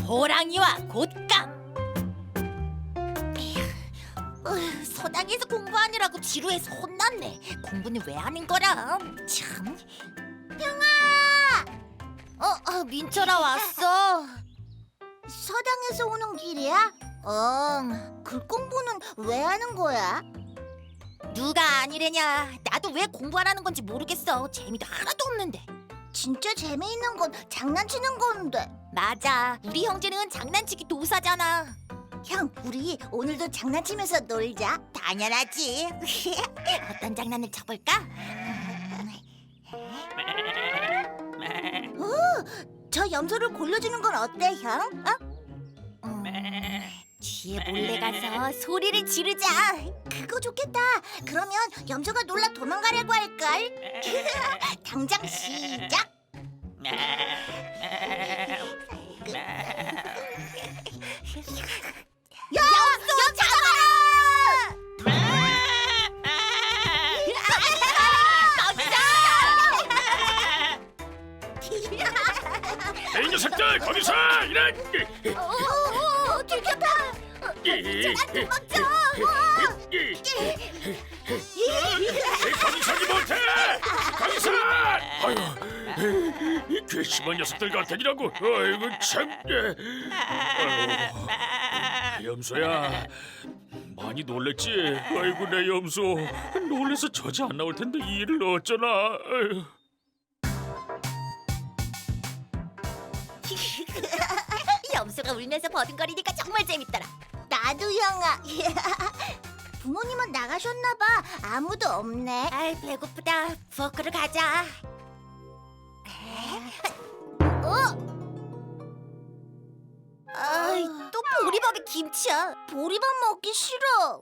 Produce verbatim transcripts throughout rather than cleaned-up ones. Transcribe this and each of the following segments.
호랑이와 곶감. 어휴, 서당에서 공부하느라고 지루해서 혼났네. 공부는 왜 하는 거라? 참. 형아! 어, 어 민철아 왔어. 서당에서 오는 길이야? 응. 글 공부는 왜 하는 거야? 누가 아니래냐. 나도 왜 공부하라는 건지 모르겠어. 재미도 하나도 없는데. 진짜 재미있는 건 장난치는 건데. 맞아. 우리 형제는 장난치기 도사잖아. 형, 우리 오늘도 장난치면서 놀자. 당연하지. 어떤 장난을 쳐볼까? 저 염소를 골려주는 건 어때, 형? 어? 음, 뒤에 몰래 가서 소리를 지르자. 그거 좋겠다. 그러면 염소가 놀라 도망가려고 할걸. 당장 시작. 야, 염소 잡아라! 이 녀석들 거기서 이런 오, 들켰다. 도망쳐. 거기서지 못해 거기서 아유 이 괘씸한 녀석들 같으니라고 아이고 참 아유, 염소야 많이 놀랬지 아이고 내 염소 놀래서 저지 안 나올 텐데 이 일을 어쩌나 아유. 염소가 울면서 버둥거리니까 정말 재밌더라. 나도 형아. 부모님은 나가셨나 봐. 아무도 없네. 아이 배고프다. 부엌으로 가자. 어? 아이 또 보리밥에 김치야. 보리밥 먹기 싫어.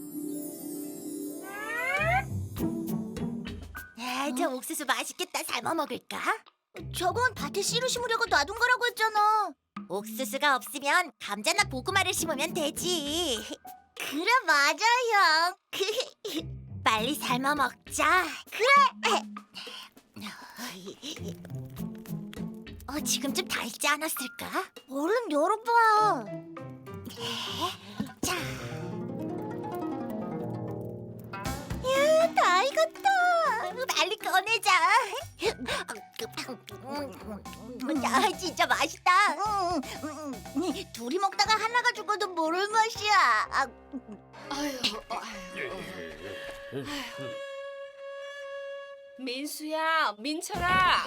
아, 저 옥수수 맛있겠다. 삶아 먹을까? 저건 밭에 씨를 심으려고 놔둔 거라고 했잖아. 옥수수가 없으면 감자나 고구마를 심으면 되지. 그래, 맞아, 형. 빨리 삶아 먹자. 어, 지금쯤 다 익지 않았을까? 얼른 열어봐. 자, 야, 다 익었다. 빨리 꺼내자. 야, 진짜 맛있다. 음, 음, 음. 둘이 먹다가 하나가 죽어도 모를 맛이야. 아, 아유, 아유. 민수야, 민철아.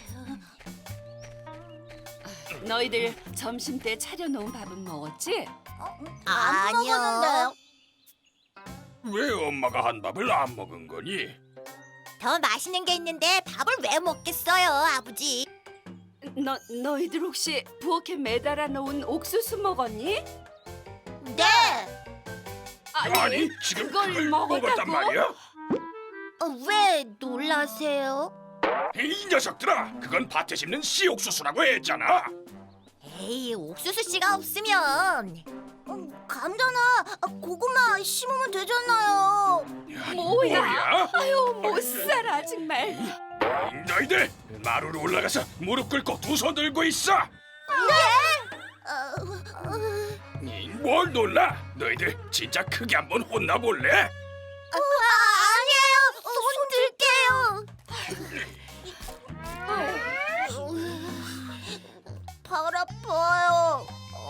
너희들 점심 때 차려놓은 밥은 먹었지? 안 아니요. 먹었는데요. 왜 엄마가 한 밥을 안 먹은 거니? 더 맛있는 게 있는데 밥을 왜 먹겠어요, 아버지? 너 너희들 혹시 부엌에 매달아 놓은 옥수수 먹었니? 네. 아니 지금 그걸 그걸 먹었다고? 먹었단 말이야? 어, 왜 놀라세요? 이 녀석들아 그건 밭에 심는 씨옥수수라고 했잖아 에이, 옥수수 씨가 없으면 음, 감자나 고구마 심으면 되잖아요. 뭐야? 뭐야? 아유, 못 살아 정말. 너희들 마루로 올라가서 무릎 꿇고 두 손 들고 있어 어, 어, 이, 뭘 놀라 너희들 진짜 크게 한번 혼나볼래? 아니에요. 손 들게요. 발 아파요.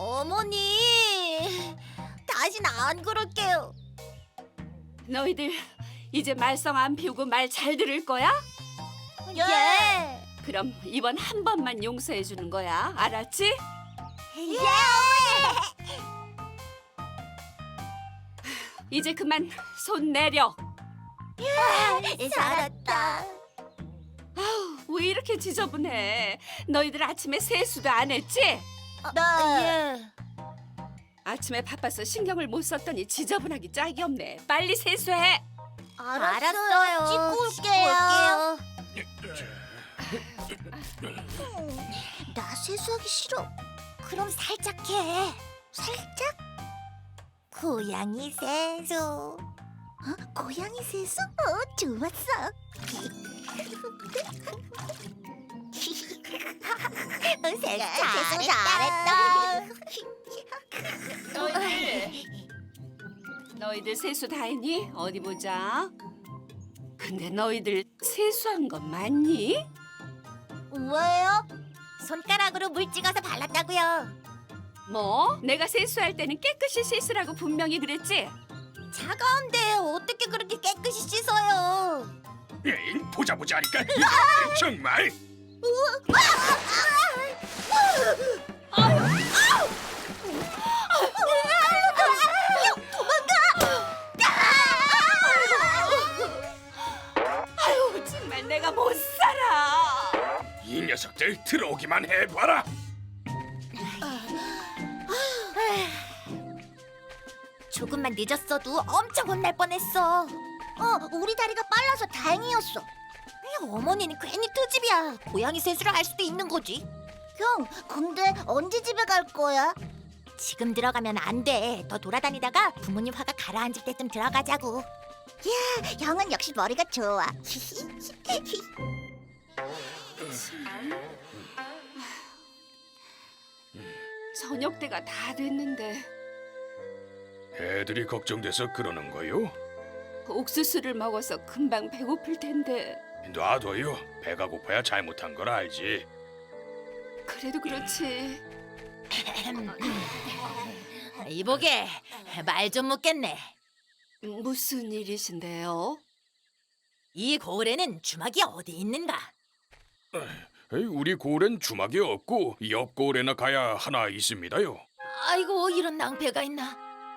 어머니, 다신 안 그럴게요. 너희들 이제 말썽 안 피우고 말 잘 들을 거야? 예. 그럼 이번 한 번만 용서해 주는 거야. 알았지? 예. 이제 그만 손 내려. 살았다. 왜 이렇게 지저분해? 너희들 아침에 세수도 안 했지? 네. 예. 아침에 바빠서 신경을 못 썼더니 지저분하기 짝이 없네. 빨리 세수해. 알았어요. 찍고 찍고 올게요. 올게요. 나 세수하기 싫어. 그럼 살짝 해. 살짝? 고양이 세수. 어? 고양이 세수? 어, 좋았어. 세수 세수 잘했다. 너희들 너희들 세수 다 했니? 어디 보자. 근데 너희들 세수한 건 맞니? 왜요? 손가락으로 물 찍어서 발랐다고요. 뭐? 내가 세수할 때는 깨끗이 씻으라고 분명히 그랬지? 차가운데 어떻게 그렇게 깨끗이 씻어요? 에이, 보자 보자 하니까 정말. 아유 정말 내가 못 살아. 이 녀석들 들어오기만 해봐라. 조금만 늦었어도 엄청 혼날 뻔했어. 어, 우리 다리가 빨라서 다행이었어. 어머니는 괜히 트집이야. 고양이 세수를 할 수도 있는 거지. 형, 근데 언제 집에 갈 거야? 지금 들어가면 안 돼. 더 돌아다니다가 부모님 화가 가라앉을 때쯤 들어가자고. 형은 역시 머리가 좋아. 저녁 때가 다 됐는데 애들이 걱정돼서 그러는 거요? 옥수수를 먹어서 금방 배고플 텐데. 놔둬요. 배가 고파야 잘못한 걸 알지. 그래도 그렇지. 이보게 말 좀 묻겠네. 무슨 일이신데요? 이 고을에는 주막이 어디 있는가? 에이, 우리 고을엔 주막이 없고 옆 고을에나 가야 하나 있습니다요. 아이고 이런 낭패가 있나?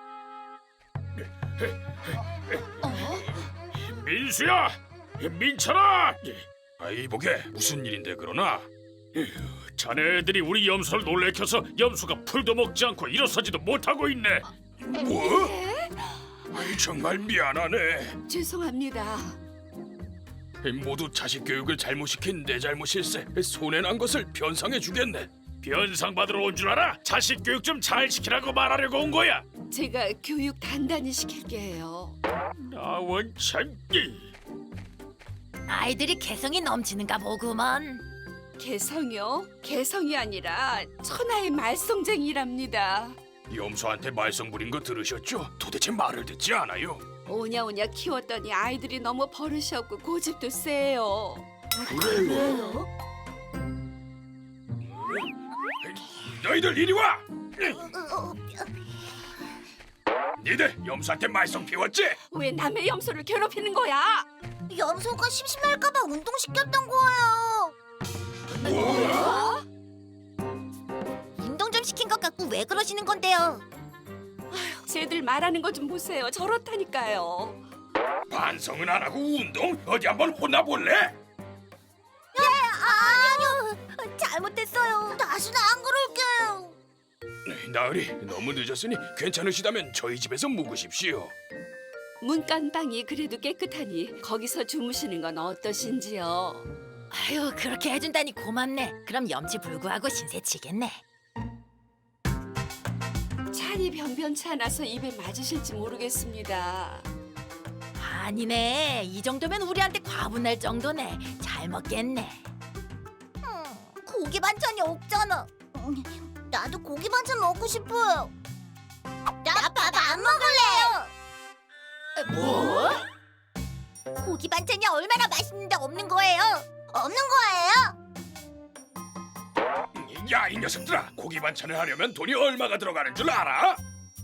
민수야, 민철아. 아이 보게 무슨 일인데 그러나? 자네들이 우리 염소를 놀래켜서 염소가 풀도 먹지 않고 일어서지도 못하고 있네. 뭐? 아이, 정말 미안하네. 죄송합니다. 모두 자식 교육을 잘못 시킨 내 잘못일세. 손해 난 것을 변상해 주겠네. 변상 받으러 온 줄 알아? 자식 교육 좀 잘 시키라고 말하려고 온 거야. 제가 교육 단단히 시킬게요. 나 원참. 아이들이 개성이 넘치는가 보구먼. 개성이요? 개성이 아니라 천하의 말썽쟁이랍니다. 염소한테 말썽 부린 거 들으셨죠? 도대체 말을 듣지 않아요. 오냐오냐 키웠더니 아이들이 너무 버릇이 없고 고집도 세요. 그래요? 너희들 이리 와! 니들 염소한테 말썽 피웠지? 왜 남의 염소를 괴롭히는 거야? 염소가 심심할까봐 운동시켰던 거예요. 뭐야? 운동 좀 시킨 것 같고 왜 그러시는 건데요? 쟤들 말하는 거 좀 보세요. 저렇다니까요. 반성은 안 하고 운동? 어디 한번 혼나볼래? 아니요, 잘못했어요. 다시는 안 그럴게요. 나으리 너무 늦었으니 괜찮으시다면 저희 집에서 묵으십시오. 문간방이 그래도 깨끗하니 거기서 주무시는 건 어떠신지요? 아유 그렇게 해준다니 고맙네. 그럼 염치 불구하고 신세 치겠네. 찬이 변변치 않아서 입에 맞으실지 모르겠습니다. 아니네. 이 정도면 우리한테 과분할 정도네. 잘 먹겠네. 고기 반찬이 없잖아. 음, 나도 고기 반찬 먹고 싶어요. 나 밥 안 먹을래요. 뭐? 고기 반찬이 얼마나 맛있는데 없는 거예요? 없는 거예요? 야, 이 녀석들아, 고기 반찬을 하려면 돈이 얼마가 들어가는 줄 알아?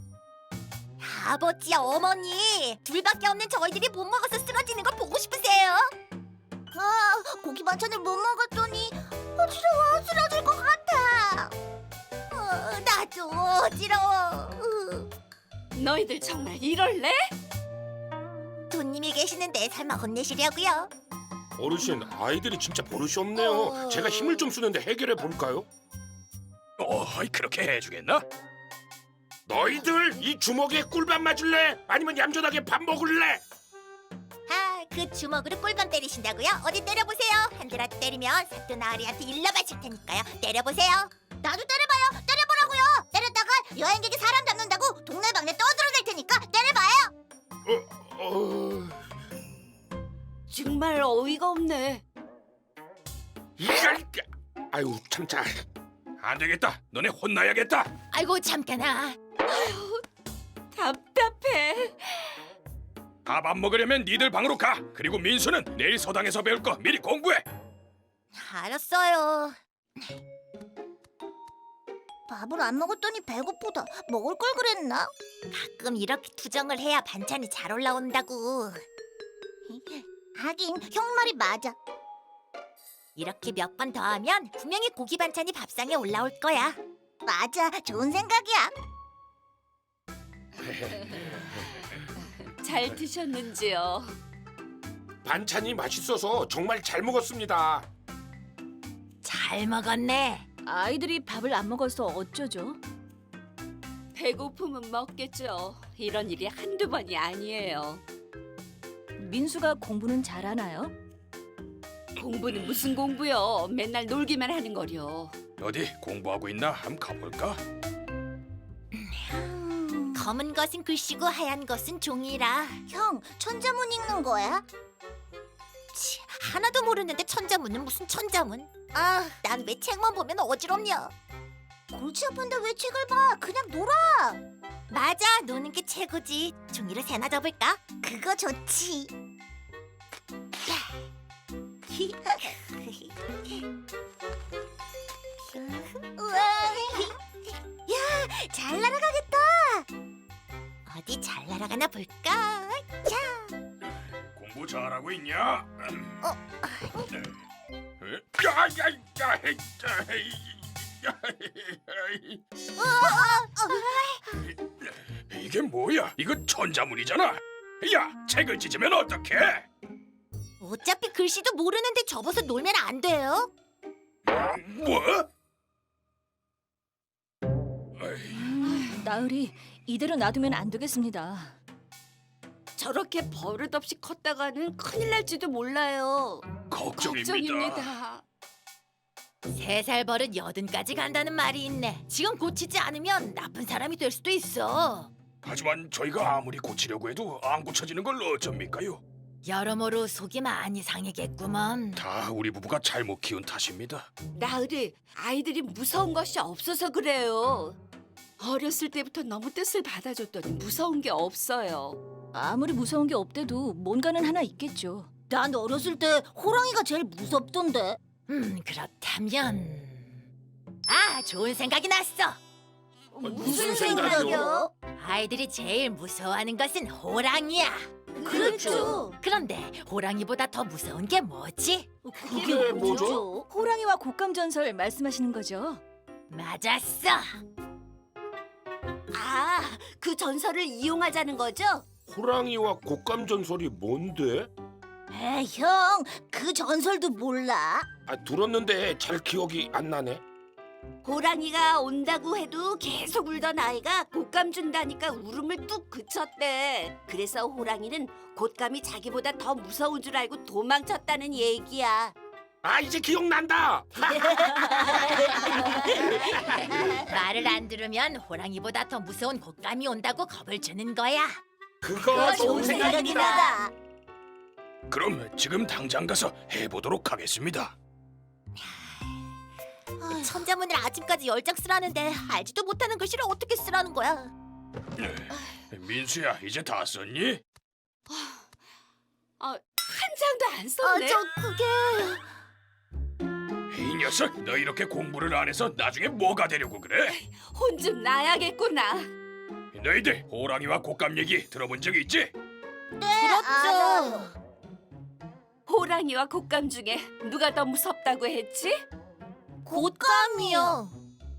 아버지야 어머니 둘밖에 없는 저희들이 못 먹어서 쓰러지는 걸 보고 싶으세요? 아, 고기 반찬을 못 먹었더니 어지러워 쓰러질 것 같아. 어, 나도 어지러워. 으. 너희들 정말 이럴래? 돈님이 계시는데 설마 혼내시려고요? 어르신, 아이들이 진짜 버릇이 없네요. 어. 제가 힘을 좀 쓰는데 해결해 볼까요? 어, 그렇게 해주겠나? 너희들 이 주먹에 꿀밤 맞을래? 아니면 얌전하게 밥 먹을래? 아, 그 주먹으로 꿀밤 때리신다고요? 어디 때려보세요. 한 대라도 때리면 사또 나으리한테 일러바칠 테니까요. 때려보세요. 나도 때려봐요. 때려보라고요. 때렸다가 여행객이 사람 잡는다고 동네방네 떠들어댈 테니까 때려봐요. 어, 어... 정말 어이가 없네. 이걸... 아유, 참자. 안 되겠다. 너네 혼나야겠다. 아이고 잠깐아. 답답해. 밥 안 먹으려면 니들 방으로 가. 그리고 민수는 내일 서당에서 배울 거 미리 공부해. 알았어요. 밥을 안 먹었더니 배고프다. 먹을 걸 그랬나? 가끔 이렇게 투정을 해야 반찬이 잘 올라온다고. 하긴 형 말이 맞아. 이렇게 몇 번 더 하면 분명히 고기 반찬이 밥상에 올라올 거야. 맞아, 좋은 생각이야. 잘 드셨는지요? 반찬이 맛있어서 정말 잘 먹었습니다. 잘 먹었네. 아이들이 밥을 안 먹어서 어쩌죠? 배고프면 먹겠죠. 이런 일이 한두 번이 아니에요. 민수가 공부는 잘하나요? 공부는 무슨 공부요? 맨날 놀기만 하는 거려. 어디 공부하고 있나? 한번 가볼까? 검은 것은 글씨고 하얀 것은 종이라. 형, 천자문 읽는 거야? 치, 하나도 모르는데 천자문은 무슨 천자문? 아, 난 왜 책만 보면 어지럽냐. 골치 아픈데 왜 책을 봐? 그냥 놀아. 맞아, 노는 게 최고지. 종이를 새나 접을까? 그거 좋지. 우와. 야, 잘 날아가겠다. 어디 잘 날아가나 볼까? 자, 공부 잘하고 있냐? 어? 이게 뭐야? 이거 천자문이잖아. 야, 책을 찢으면 어떡해? 어차피 글씨도 모르는데 접어서 놀면 안 돼요. 뭐? 어이, 나으리, 이대로 놔두면 안 되겠습니다. 저렇게 버릇없이 컸다가는 큰일 날지도 몰라요. 걱정입니다. 걱정입니다. 세 살 버릇 여든까지 간다는 말이 있네. 지금 고치지 않으면 나쁜 사람이 될 수도 있어. 하지만 저희가 아무리 고치려고 해도 안 고쳐지는 걸 어쩝니까요? 여러모로 속이 많이 상해겠구먼. 다 우리 부부가 잘못 키운 탓입니다. 나으리, 아이들이 무서운 것이 없어서 그래요. 어렸을 때부터 너무 뜻을 받아줬더니 무서운 게 없어요. 아무리 무서운 게 없대도 뭔가는 하나 있겠죠. 난 어렸을 때 호랑이가 제일 무섭던데. 음, 그렇다면... 아, 좋은 생각이 났어. 무슨 생각이요? 아이들이 제일 무서워하는 것은 호랑이야. 그렇죠. 그런데 호랑이보다 더 무서운 게 뭐지? 그게 뭐죠? 호랑이와 곶감 전설 말씀하시는 거죠? 맞았어. 아, 그 전설을 이용하자는 거죠? 호랑이와 곶감 전설이 뭔데? 에이, 형, 그 전설도 몰라? 아, 들었는데 잘 기억이 안 나네. 호랑이가 온다고 해도 계속 울던 아이가 곶감 준다니까 울음을 뚝 그쳤대. 그래서 호랑이는 곶감이 자기보다 더 무서운 줄 알고 도망쳤다는 얘기야. 아, 이제 기억난다. 말을 안 들으면 호랑이보다 더 무서운 곶감이 온다고 겁을 주는 거야. 그거 좋은 생각이다. 그럼 지금 당장 가서 해보도록 하겠습니다. 천자문을 아침까지 열 장 쓰라는데 알지도 못하는 글씨를 어떻게 쓰라는 거야? 민수야, 이제 다 썼니? 아, 한 장도 안 썼네. 그게... 이 녀석, 너 이렇게 공부를 안 해서 나중에 뭐가 되려고 그래? 혼 좀 나야겠구나. 너희들 호랑이와 곶감 얘기 들어본 적 있지? 그렇죠. 호랑이와 곶감 중에 누가 더 무섭다고 했지? 곶감이요.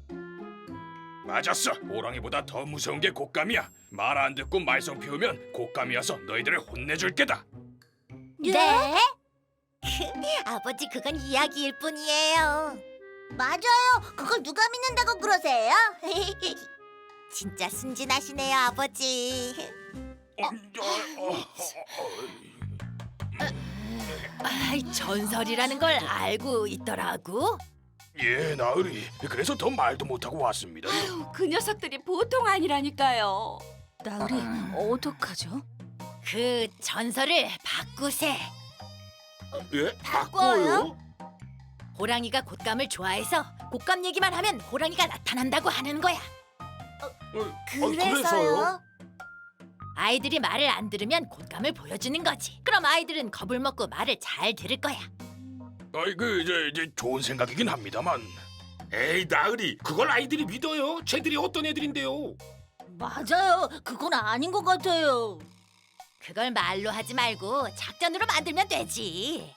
맞았어. 호랑이보다 더 무서운 게 곶감이야. 말 안 듣고 말썽 피우면 곶감이 와서 너희들을 혼내줄 게다. 네? 아버지, 그건 이야기일 뿐이에요. 맞아요. 그걸 누가 믿는다고 그러세요? 진짜 순진하시네요, 아버지. 어, 어, 어, 어, 아이, 전설이라는 걸 알고 있더라고. 예, 나으리. 그래서 더 말도 못하고 왔습니다. 그 녀석들이 보통 아니라니까요. 나으리, 어떡하죠? 그 전설을 바꾸세. 예? 바꿔요? 호랑이가 곶감을 좋아해서 곶감 얘기만 하면 호랑이가 나타난다고 하는 거야. 어, 그래서요? 아이들이 말을 안 들으면 곶감을 보여주는 거지. 그럼 아이들은 겁을 먹고 말을 잘 들을 거야. 아이 그 이제, 이제 좋은 생각이긴 합니다만 에이 나으리 그걸 아이들이 믿어요? 쟤들이 어떤 애들인데요? 맞아요. 그건 아닌 것 같아요. 그걸 말로 하지 말고 작전으로 만들면 되지.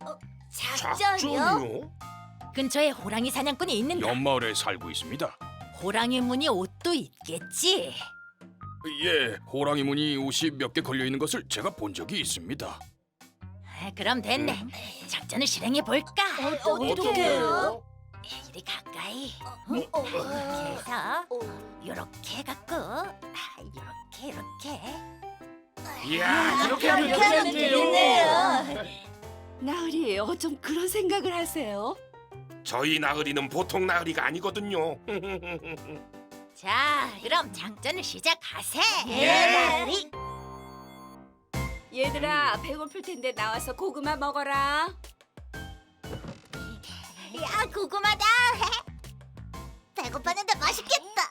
작전이요? 근처에 호랑이 사냥꾼이 있는데 옆마을에 살고 있습니다. 호랑이 무늬 옷도 있겠지. 예, 호랑이 무늬 옷이 몇 개 걸려 있는 것을 제가 본 적이 있습니다. 아, 그럼 됐네. 작전을 실행해 볼까? 어떻게 해요? 이리 가까이. 이렇게 해서 이렇게 해갖고 이렇게 이렇게. 이야 이렇게 하면 이렇게 하면 되겠네요. 나으리 어쩜 그런 생각을 하세요? 저희 나으리는 보통 나으리가 아니거든요. 자, 그럼 작전을 시작하세. 예. 얘들아 배고플 텐데 나와서 고구마 먹어라. 야, 고구마다. 배고팠는데 맛있겠다.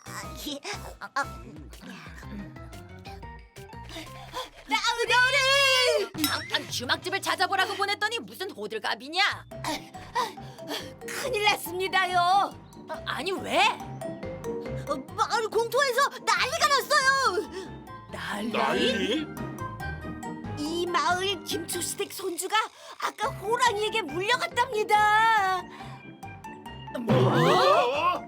잠깐 주막집을 찾아보라고 보냈더니 무슨 호들갑이냐? 큰일 났습니다요. 어, 아니 왜? 어, 마을 공터에서 난리가 났어요. 난리? 나으리? 이 마을 김초시댁 손주가 아까 호랑이에게 물려갔답니다. 뭐?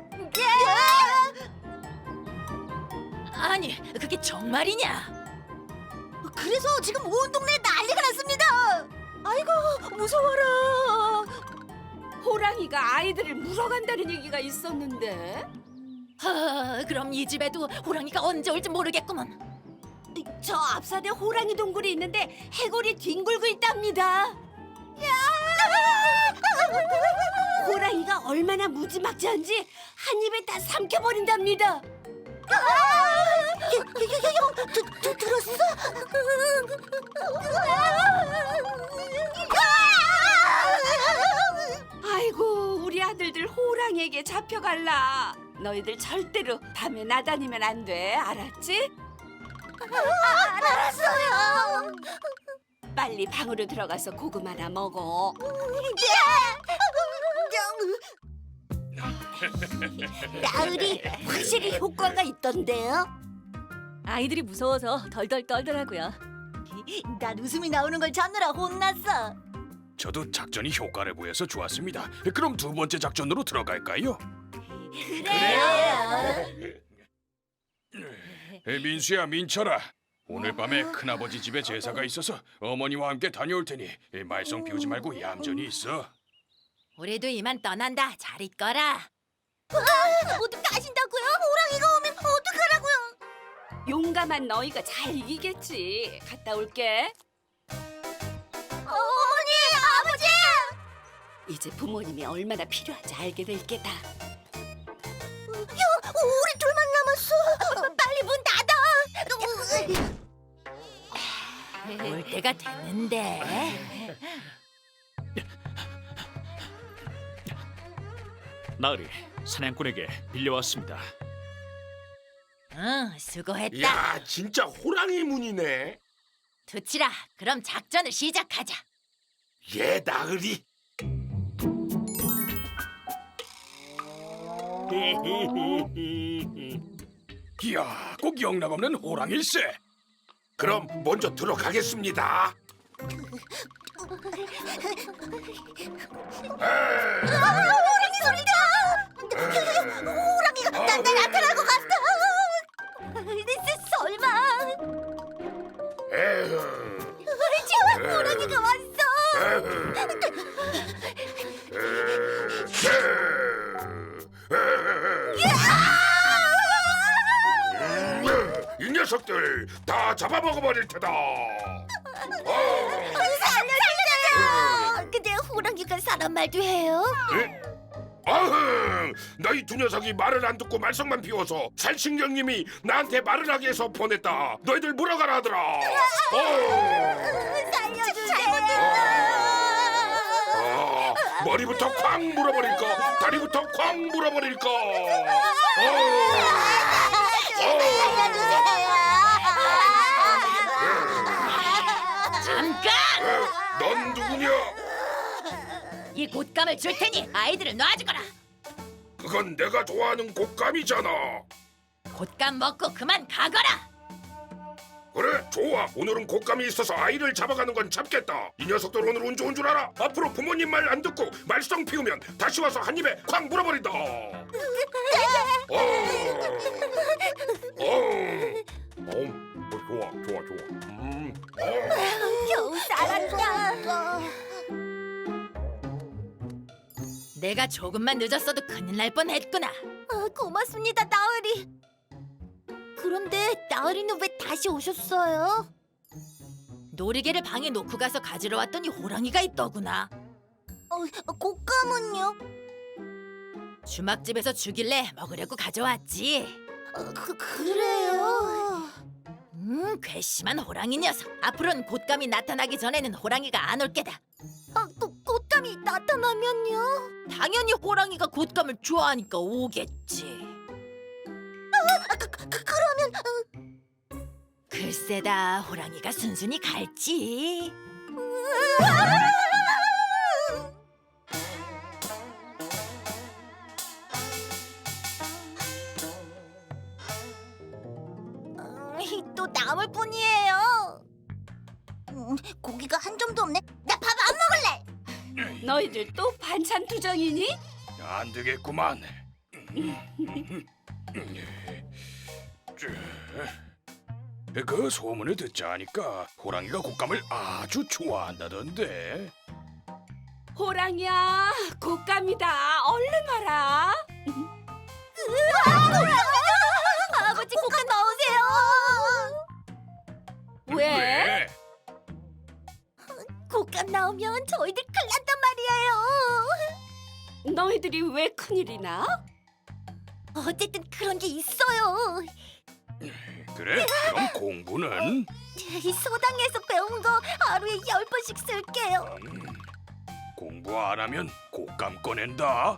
아니 그게 정말이냐? 그래서 지금 온 동네에 난리가 났습니다. 아이고 무서워라. 호랑이가 아이들을 물어간다는 얘기가 있었는데. 하, 그럼 이 집에도 호랑이가 언제 올지 모르겠구먼. 저 앞산에 호랑이 동굴이 있는데 해골이 뒹굴고 있답니다. 호랑이가 얼마나 무지막지한지 한 입에 다 삼켜버린답니다. 형, 드, 드, 들었어? 아이고 우리 아들들 호랑이에게 잡혀갈라. 너희들 절대로 밤에 나다니면 안 돼. 알았지? 알았어요. 빨리 방으로 들어가서 고구마나 먹어. 나으리 확실히 효과가 있던데요? 아이들이 무서워서 덜덜 떨더라고요. 난 웃음이 나오는 걸 찾느라 혼났어. 저도 작전이 효과를 보여서 좋았습니다. 그럼 두 번째 작전으로 들어갈까요? 에, 민수야, 민철아. 오늘 밤에 큰아버지 집에 제사가 있어서 어머니와 함께 다녀올 테니 에, 말썽 피우지 말고 얌전히 있어. 우리도 이만 떠난다. 잘 있거라. 모두 가신다고요? 호랑이가 오면 어떡하라고요? 용감한 너희가 잘 이기겠지. 갔다 올게. 어머니, 아버지! 이제 부모님이 얼마나 필요한지 알게 될 게다. 형, 우리 둘만 남았어. 빨리 문 닫아. 올 때가 됐는데. 나으리 사냥꾼에게 빌려왔습니다. 응, 수고했다. 야 진짜 호랑이 문이네. 두치라. 그럼 작전을 시작하자. 예 나으리. 이야, 꼭 영락없는 호랑일세. 그럼 먼저 들어가겠습니다. 호랑이 소리다! 호랑이가 나, 나 나타나고 갔어! 설마! 에휴. 지금 호랑이가 왔어! 이 녀석들 다 잡아먹어버릴 테다. 살려주세요! 근데 호랑이가 사람 말도 해요? 에? 아흥! 너희 두 녀석이 말을 안 듣고 말썽만 피워서 살신경님이 나한테 말을 하게 해서 보냈다. 너희들 물어가라 하더라. 어. 살려주세요! 아, 머리부터 쾅 물어버릴까? 다리부터 쾅 물어버릴까? 어, 잠깐! 넌 누구냐? 이 곶감을 줄 테니 아이들을 놔주거라. 그건 내가 좋아하는 곶감이잖아. 곶감 먹고 그만 가거라. 그래, 좋아. 오늘은 곶감이 있어서 아이를 잡아가는 건 참겠다. 이 녀석들 오늘 운 좋은 줄 알아? 앞으로 부모님 말 안 듣고 말썽 피우면 다시 와서 한 입에 쾅 물어버린다. 어, 어, 어, 좋아, 좋아, 좋아. 음, 어. 겨우 살았다. 내가 조금만 늦었어도 큰일 날 뻔했구나. 아, 고맙습니다, 나으리. 그런데 나으리는 왜 다시 오셨어요? 놀이개를 방에 놓고 가서 가지러 왔더니 호랑이가 있더구나. 어, 곶감은요? 주막집에서 주길래 먹으려고 가져왔지. 어, 그, 그래요? 음, 괘씸한 호랑이 녀석. 앞으로는 곶감이 나타나기 전에는 호랑이가 안 올 게다. 아, 그 곶감이 나타나면요? 당연히 호랑이가 곶감을 좋아하니까 오겠지. 아, 그, 그, 그러면 글쎄다, 호랑이가 순순히 갈지. 음, 또 남을 뿐이에요. 음, 고기가 한 점도 없네. 나 밥 안 먹을래. 너희들 또 반찬 투정이니? 안 되겠구만. 그 소문을 듣자 하니까 호랑이가 곶감을 아주 좋아한다던데. 호랑이야, 곶감이다. 얼른 와라. 아버지 곶감 넣으세요. 왜? 곶감 나오면 저희들 큰일 난단 말이에요. 너희들이 왜 큰일이나? 어쨌든 그런 게 있어요. 그래? 그럼 공부는? 이 소당에서 배운 거 하루에 열 번씩 쓸게요. 음, 공부 안 하면 곶감 꺼낸다.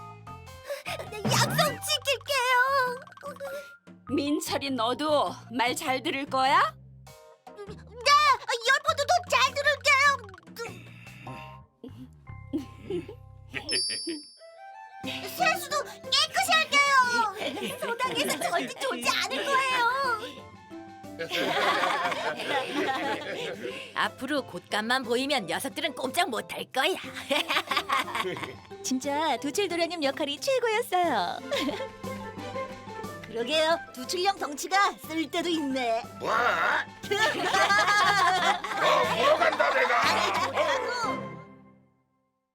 약속 지킬게요. 민철이 너도 말 잘 들을 거야? 네, 열 번도 더 잘 들을게요. 세수도 깨끗이 할게요. 소당에서 절대 좋지 않을 거예요. 앞으로 곶감만 보이면 녀석들은 꼼짝 못할 거야. 진짜 두칠도련님 역할이 최고였어요. 그러게요. 두칠령 덩치가 쓸 때도 있네. 뭐?